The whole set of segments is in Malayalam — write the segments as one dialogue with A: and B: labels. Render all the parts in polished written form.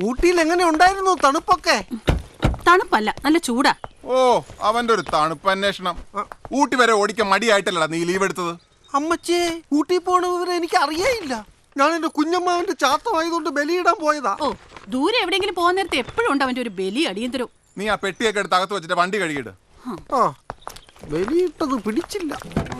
A: ഊട്ടിയിൽ എങ്ങനെ ഉണ്ടായിരുന്നു തണുപ്പൊക്കെ?
B: തണുപ്പല്ല, നല്ല ചൂടാ.
C: ഓ, അവന്റെ ഒരു തണുപ്പ് അന്വേഷണം. ഊട്ടി വരെ ഓടിക്കാൻ മടിയായിട്ടല്ലടാ നീ ലീവ് എടുത്തത്.
A: അമ്മച്ചേ, ഊട്ടി പോണ വിവരം എനിക്ക് അറിയേയില്ല. ഞാൻ എന്റെ കുഞ്ഞമ്മാവന്റെ ചാത്തമായതുകൊണ്ട് ബലിയിടാൻ പോയതാ.
B: ഓ, ദൂരെ എവിടെയെങ്കിലും പോകുന്ന നേരത്തെ എപ്പോഴും ഉണ്ട് അവന്റെ ഒരു ബലി അടിയന്തരവും.
C: നീ ആ പെട്ടിയൊക്കെ എടുത്ത് അകത്ത് വെച്ചിട്ട് വണ്ടി കഴുകിയിട്.
A: ആ, ബലിയിട്ടത് പിടിച്ചില്ല.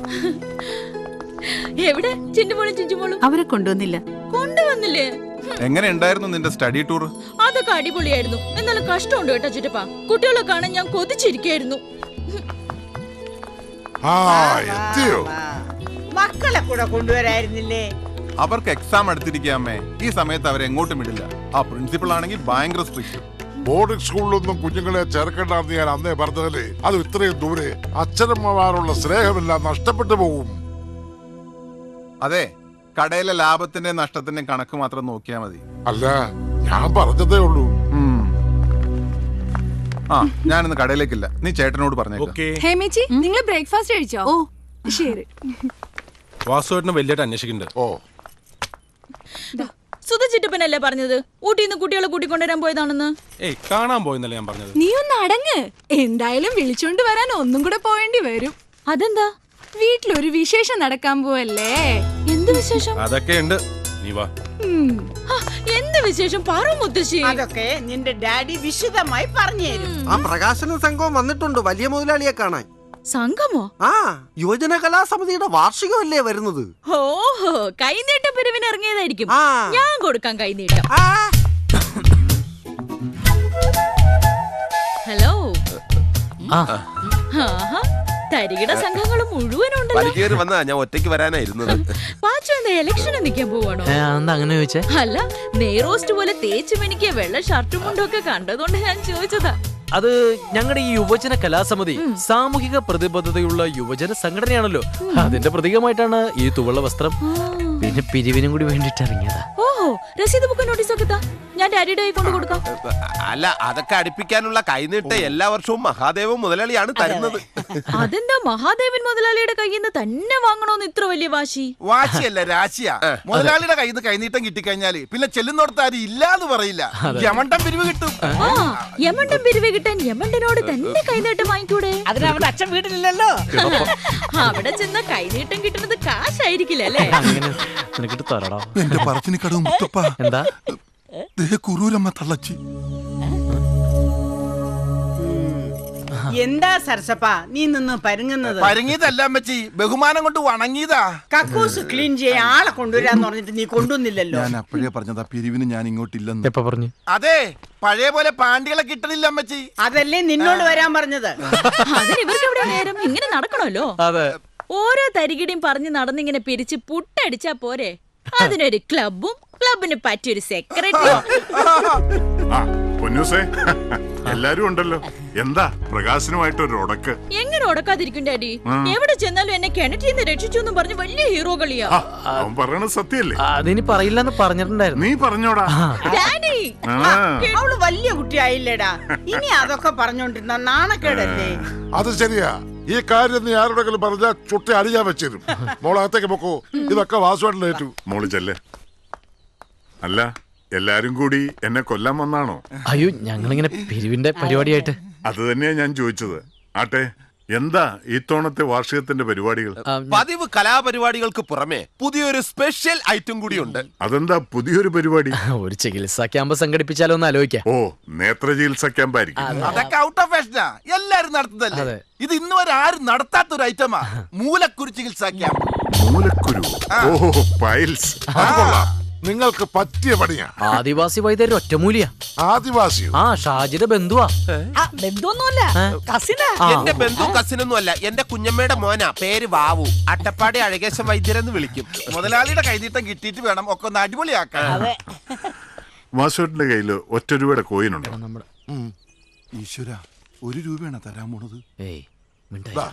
D: എവിടെ ചിഞ്ചുമോളും ചിഞ്ചുമോളും?
B: അവരെ കൊണ്ടുവന്നില്ല.
D: കൊണ്ടുവന്നില്ലേ?
C: എങ്ങനെ ഉണ്ടായിരുന്നു നിന്റെ സ്റ്റഡി ടൂർ?
D: അതൊക്കെ അടിപൊളിയായിരുന്നു. എന്നാലും കഷ്ടമുണ്ട് കേട്ടോ ചിറ്റപ്പാ. കുട്ടികളെ കാണാൻ ഞാൻ കൊതിച്ചിരിക്കായിരുന്നു.
E: മക്കളെ കൂടെ കൊണ്ടുവരായിരുന്നില്ലേ?
C: അവർക്ക് എക്സാം എടുത്തിരിക്കാമേ. ഈ സമയത്ത് അവരെ എങ്ങോട്ടും വിടില്ല. ആ പ്രിൻസിപ്പൾ ആണെങ്കിൽ ഭയങ്കര സ്ട്രിക്റ്റ്.
F: ബോർഡിംഗ് സ്കൂളിലൊന്നും കുഞ്ഞുങ്ങളെ ചേർക്കേണ്ടെന്ന് ഞാൻ അന്നേ പറഞ്ഞതല്ലേ. അത് ഇത്രയും ദൂരെ അച്ഛനമ്മമാരുള്ള സ്നേഹമെല്ലാം നഷ്ടപ്പെട്ടു പോകും.
C: അതെ, കടയിലെ ലാഭത്തിന്റെ നഷ്ടത്തിന്റെ കണക്ക് മാത്രം നോക്കിയാ മതി.
F: അല്ല, ഞാൻ പറഞ്ഞതേ ഉള്ളൂ.
C: ആ, ഞാനിന്ന് കടയിലേക്കില്ല. നീ ചേട്ടനോട് പറഞ്ഞേക്കാം.
G: ഹേമേച്ചി, നിങ്ങൾ ബ്രേക്ക്ഫാസ്റ്റ് കഴിച്ചോ?
B: ഓ
G: ശരി.
H: വാസുവേട്ടനെ വലിയായിട്ട് അന്വേഷിക്കുന്നുണ്ട്.
F: ഓ,
D: സുധ ചിറ്റപ്പനല്ലേ പറഞ്ഞത് ഊട്ടിന്ന് കുട്ടികളെ കൂട്ടിക്കൊണ്ടുവരാൻ പോയതാണെന്ന്?
H: ഏയ്, കാണാൻ പോയെന്നല്ലേ ഞാൻ പറഞ്ഞത്.
G: നീ ഒന്ന് അടങ്ങ്. എന്തായാലും വിളിച്ചോണ്ട് വരാൻ ഒന്നും കൂടെ പോവേണ്ടി വരും.
D: അതെന്താ?
G: വീട്ടിലൊരു വിശേഷം നടക്കാൻ പോവല്ലേ?
D: എന്ത് വിശേഷം?
H: അതൊക്കെ ഉണ്ട്, നീ വാ.
D: എന്ത് വിശേഷം പറ മുത്തശ്ശി.
E: അതൊക്കെ നിന്റെ ഡാഡി വിശദമായി പറഞ്ഞു തരും.
A: ആ പ്രകാശന സംഘം വന്നിട്ടുണ്ട് വലിയ മുതലാളിയെ കാണാൻ.
D: സംഘമോ?
A: ആ, യുവജന കലാസമിതിയുടെ വാർഷികമല്ലേ വരുന്നത്.
D: ഓഹോ, കൈനീട്ട പിരിവിന് ഇറങ്ങിയതായിരിക്കും.
A: ആ.
D: ഞാൻ കൊടുക്കാം കൈനീട്ടം.
A: ആ,
D: ഹലോ. തരികിട സംഘങ്ങൾ മുഴുവനുണ്ടല്ലോ.
I: വലിക്കേറി വന്നാ ഞാൻ ഒറ്റയ്ക്ക് വരാനായിരുന്നത്.
D: പാച്ചു എന്താ ഇലക്ഷന് നിൽക്കാൻ പോവാണോ?
J: അങ്ങനെ ചോദിച്ചേ?
D: അല്ല, നെയ്റോസ്റ്റ് പോലെ തേച്ചു മെനിക്ക് വെള്ള ഷർട്ടും മുണ്ടും ഒക്കെ കണ്ടതുകൊണ്ട് ഞാൻ ചോദിച്ചതാ.
J: അത് ഞങ്ങളുടെ ഈ യുവജന കലാസമിതി സാമൂഹിക പ്രതിബദ്ധതയുള്ള യുവജന സംഘടനയാണല്ലോ. അതിന്റെ പ്രതീകമായിട്ടാണ് ഈ തുവള്ള വസ്ത്രം. പിന്നെ പിരിവിനും കൂടി വേണ്ടിട്ട് ഇറങ്ങിയതാ.
D: ഓഹോ, രസീത് ബുക്ക് നോട്ടീസ് ഒക്കെ ഞാൻ ഡാഡിയുടെ കൈ കൊണ്ട് കൊടുക്കാം.
I: അല്ല, അതൊക്കെ അടുപ്പിക്കാനുള്ള കൈനീട്ട എല്ലാ വർഷവും മഹാദേവൻ മുതലാളിയാണ് തരുന്നത്.
D: അതെന്താ മഹാദേവൻ മുതലാളിയുടെ കയ്യിൽ നിന്ന് തന്നെ വാങ്ങണോന്ന് ഇത്ര വലിയ വാശി?
C: വാശിയല്ല, രാശിയാ. മുതലാളിയുടെ കയ്യിൽ നിന്ന് കൈനീട്ടം കിട്ടിക്കഴിഞ്ഞാല് പിന്നെ ചെല്ലുന്നോടത്ത് ആരും ഇല്ലാന്ന് പറയില്ല. യമണ്ടം പിരിവ് കിട്ടും.
D: ആ, യമണ്ടം പിരിവ് കിട്ടാൻ യമണ്ടനോട് തന്നെ കൈനീട്ടം വാങ്ങിക്കൂടെ?
E: അതിന് അവന്റെ അച്ഛൻ വീട്ടിലില്ലല്ലോ.
D: അവിടെ ചെന്ന കൈനീട്ടം കിട്ടുന്നത് കാശായിരിക്കില്ല അല്ലേ?
J: നിനക്കിട്ട് തരടാ.
C: എന്റെ പറച്ചിന് കടവും മുത്തപ്പ.
J: എന്താ
C: കുറൂരമ്മ തള്ളച്ചി.
E: എന്താ സരസപ്പ നീ നിന്ന് പരുങ്ങുന്നത്?
C: പരങ്ങിയതല്ല അമ്മച്ചി, ബഹുമാനം കൊണ്ട് വണങ്ങിയതാ.
E: കക്കൂസ് ക്ലീൻ ചെയ്യാൻ ആളെ കൊണ്ടുവരാന്ന് പറഞ്ഞിട്ട് നീ കൊണ്ടുവന്നില്ലല്ലോ.
C: ഞാൻ അപ്പോഴേ പറഞ്ഞതാ പിരിവിന് ഞാൻ ഇങ്ങോട്ടില്ലെന്ന്.
J: എപ്പ പറഞ്ഞു?
C: അതെ, പഴയ പോലെ പാണ്ടികളെ കിട്ടണില്ല അമ്മച്ചി.
E: അതല്ലേ നിന്നോട് വരാൻ പറഞ്ഞത്.
D: അതിന് ഇവർക്ക് എവിടെ നേരം? ഇങ്ങനെ നടക്കണല്ലോ.
J: അതെ,
D: ഓരോ തരികിടിയും പറഞ്ഞ് നടന്നിങ്ങനെ പിരിച്ച് പുട്ടടിച്ചാ പോരെ? അതിനൊരു ക്ലബും ക്ലബിന് പറ്റിയൊരു സെക്രട്ടറി.
F: എല്ലാരും ഉണ്ടല്ലോ. എന്താ പ്രകാശനുമായിട്ടൊരു ഉടക്ക്?
D: എങ്ങനെ ഉടക്കാതിരിക്കും ഡാഡി? എവിടെ ചെന്നാലും എന്നെ കിണറ്റിന്ന് രക്ഷിച്ചു എന്ന് പറഞ്ഞ് വലിയ ഹീറോ കളിയാ.
F: അവൻ പറയണത് സത്യല്ലേ?
J: അതിനി പറയില്ലെന്ന് പറഞ്ഞിട്ടുണ്ടായിരുന്നു.
F: നീ പറഞ്ഞോടാ.
D: ഡാഡി,
E: അവള് വലിയ കുട്ടിയായില്ലേടാ. ഇനി അതൊക്കെ പറഞ്ഞോണ്ടിരുന്ന നാണക്കേടല്ലേ?
F: അത് ശരിയാ. ഈ കാര്യം നീ ആരോടെങ്കിലും പറഞ്ഞാൽ ചുട്ടി അടിയാൻ വെച്ചിരും. മോളകത്തേക്ക് പൊക്കോ. ഇതൊക്കെ വാസുവായിട്ടേറ്റു. മോള് ചെല്ലേ. അല്ല, എല്ലാരും കൂടി എന്നെ കൊല്ലാൻ വന്നാണോ?
J: അയ്യോ, ഞങ്ങളിങ്ങനെ പിരിവിന്റെ പരിപാടിയായിട്ട്.
F: അത് തന്നെയാ ഞാൻ ചോദിച്ചത്. ആട്ടെ, എന്താ ഇത്തവണത്തെ വാർഷികത്തിന്റെ പരിപാടികൾ?
I: പതിവ് കലാപരിപാടികൾക്ക് പുറമെ പുതിയൊരു സ്പെഷ്യൽ ഐറ്റം കൂടിയുണ്ട്.
F: അതെന്താ പുതിയൊരു പരിപാടി?
J: ഒരു ചികിത്സാ ക്യാമ്പ് സംഘടിപ്പിച്ചാലോ എന്ന് ആലോചിക്കാം.
F: ഓ, നേത്ര ചികിത്സാ ക്യാമ്പായിരിക്കും.
C: അതൊക്കെ ഔട്ട് ഓഫ് ഫാഷനാ, എല്ലാരും നടത്തുന്നതല്ലേ. ഇത് ഇന്ന് വരെ ആരും നടത്താത്തൊരു ഐറ്റമാ. മൂലക്കുരു ചികിത്സാ ക്യാമ്പ്.
F: മൂലക്കുരു? ഓഹോ, പൈൽസ്. അത് കൊള്ളാം. നിങ്ങൾക്ക് പറ്റിയ പണിയാ.
J: ആദിവാസി വൈദ്യർ ഒറ്റമൂലിയാ.
F: ആദിവാസിയോ?
J: ആ, ഷാജിയുടെ ബന്ധുവാ.
E: ബന്ധുവൊന്നുമല്ല, കസിനാ.
I: എന്റെ ബന്ധു കസിനൊന്നും അല്ല, എന്റെ കുഞ്ഞമ്മയുടെ മോനാ. പേര് വാവു. അട്ടപ്പാടി അഴകേശം വൈദ്യരെന്ന് വിളിക്കും.
C: മുതലാളിയുടെ കൈനീട്ടം കിട്ടിയിട്ട് വേണം ഒക്കെ ഒന്ന് അടിപൊളിയാക്കാൻ.
F: വാസുവേട്ടന്റെ കയ്യില് ഒറ്റ രൂപയുടെ കോയിനുണ്ടോ?
C: ഈശ്വര, 1 രൂപയാണ് തരാൻ പോണത്.
J: ഏയ്, മിണ്ടാതിരി.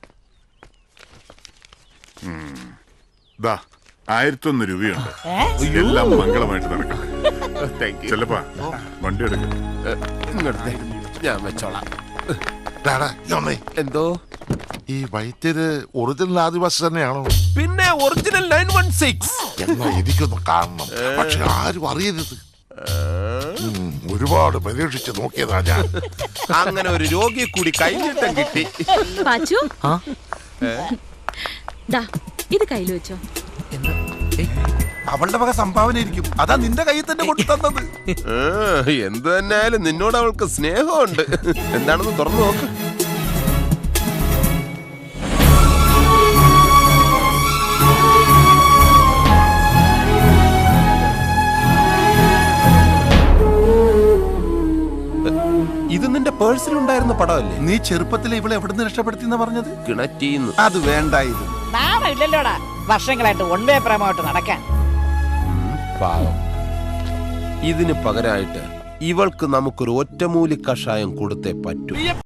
F: ദാ 1001 രൂപയുണ്ട്. എല്ലാം മംഗളമായിട്ട് നടക്കട്ടെ. ചെല്ലപ്പാ, വണ്ടി എടുക്ക.
I: ഞാൻ വെച്ചോളാം.
F: എന്തോ ഈ വൈദ്യര് ഒറിജിനൽ ആദിവാസി തന്നെയാണോ?
I: പിന്നെ ഒറിജിനൽ 916.
F: എന്നാ എനിക്കൊന്ന് കാണണം, പക്ഷെ ആരും അറിയരുത്. ഒരുപാട് പരീക്ഷിച്ച് നോക്കിയതാ ഞാൻ.
I: അങ്ങനെ ഒരു രോഗിയെ കൂടി കൈനീട്ടം കിട്ടി.
D: പാച്ചു
J: ആ
D: ദാ ഇത് കയ്യിൽ വെച്ചോ.
C: അവളുടെ വക സംഭാവന ആയിരിക്കും. അതാ നിന്റെ കയ്യിൽ തന്നെ കൊണ്ടു തന്നത്.
I: എന്തു തന്നെയായാലും നിന്നോട് അവൾക്ക് സ്നേഹമുണ്ട്. എന്താണെന്ന് തുറന്നു നോക്ക്. ഇത് നിന്റെ പേഴ്സിലുണ്ടായിരുന്ന പടമല്ലേ?
C: നീ ചെറുപ്പത്തിൽ ഇവളെ എവിടുന്ന് രക്ഷപ്പെടുത്തിന്ന് പറഞ്ഞത്?
I: കിണറ്റീന്ന്.
C: അത് വേണ്ടായിരുന്നു.
E: നാമില്ലല്ലോടാ വർഷങ്ങളായിട്ട് ഒൻപേ പ്രേമമായിട്ട് നടക്കാൻ.
I: പാവം. ഇതിന് പകരമായിട്ട് ഇവൾക്ക് നമുക്കൊരു ഒറ്റമൂലി കഷായം കൊടുത്തേ പറ്റൂ.